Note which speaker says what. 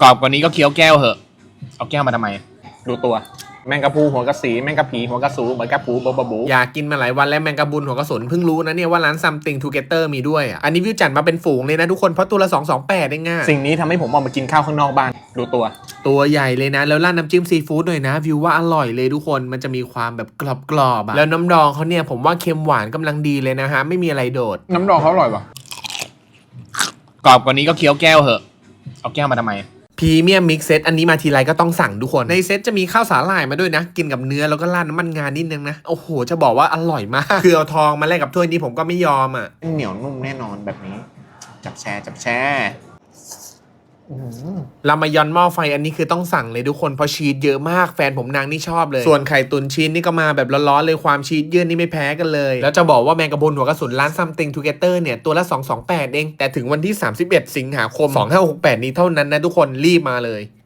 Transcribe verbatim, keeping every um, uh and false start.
Speaker 1: กรอบกว่านี้ก็เคี้ยวแก้วเหอะเอาแก้วมาทำไมดูตัวแมงกะพรูหัวกระสีแมงกะผีหัวกระสูเหมือนกะปูบบบู
Speaker 2: อยากกินมาหลายวันแล้วแมงกะบุนหัวกระสุนเพิ่งรู้นะเนี่ยว่าร้าน Something Together มีด้วยอ่ะอันนี้วิวจัดมาเป็นฝูงเลยนะทุกคนเพราะตัวละสองสองแปดเองง่ะ
Speaker 1: สิ่งนี้ทำให้ผมออกมากินข้าวข้างนอกบ้านดูตัว
Speaker 2: ตัวใหญ่เลยนะแล้วราดน้ำจิ้มซีฟู้ดหน่อยนะวิวว่าอร่อยเลยทุกคนมันจะมีความแบบกรอบๆอ่ะแล้วน้ำดองเขาเนี่ยผมว่าเค็มหวานกำลังดีเลยนะฮะไม่มีอะไรโดด
Speaker 1: น้ำดองเขาอร่อยปะกรอบกว่านี้ก็เคี้ยวแก้วเหอะเอาแก้วมาทำไม
Speaker 2: พรีเมียมมิกเซตอันนี้มาทีไรก็ต้องสั่งทุกคนในเซตจะมีข้าวสาหร่ายมาด้วยนะกินกับเนื้อแล้วก็ราดน้ำมันงานิดนึงนะโอ้โหจะบอกว่าอร่อยมากคือเอาทองมาแลกกับถ้วยนี้ผมก็ไม่ยอมอ่ะ
Speaker 1: เหนียวนุ่มแน่นอนแบบนี้จับแชร์จับแชร์
Speaker 2: รามายอนหม้อไฟอันนี้คือต้องสั่งเลยทุกคนเพราะชีสเยอะมากแฟนผมนางนี่ชอบเลยส่วนไข่ตุนชีสนี่ก็มาแบบร้อนๆเลยความชีสเยื่อนี่ไม่แพ้กันเลยแล้วจะบอกว่าแมงกะพรุนหัวกระสุนร้าน Something Together เนี่ยตัวละสองสองแปดเองแต่ถึงวันที่สามสิบเอ็ดสิงหาคมสองห้าหกแปดนี้เท่านั้นนะทุกคนรีบมาเลย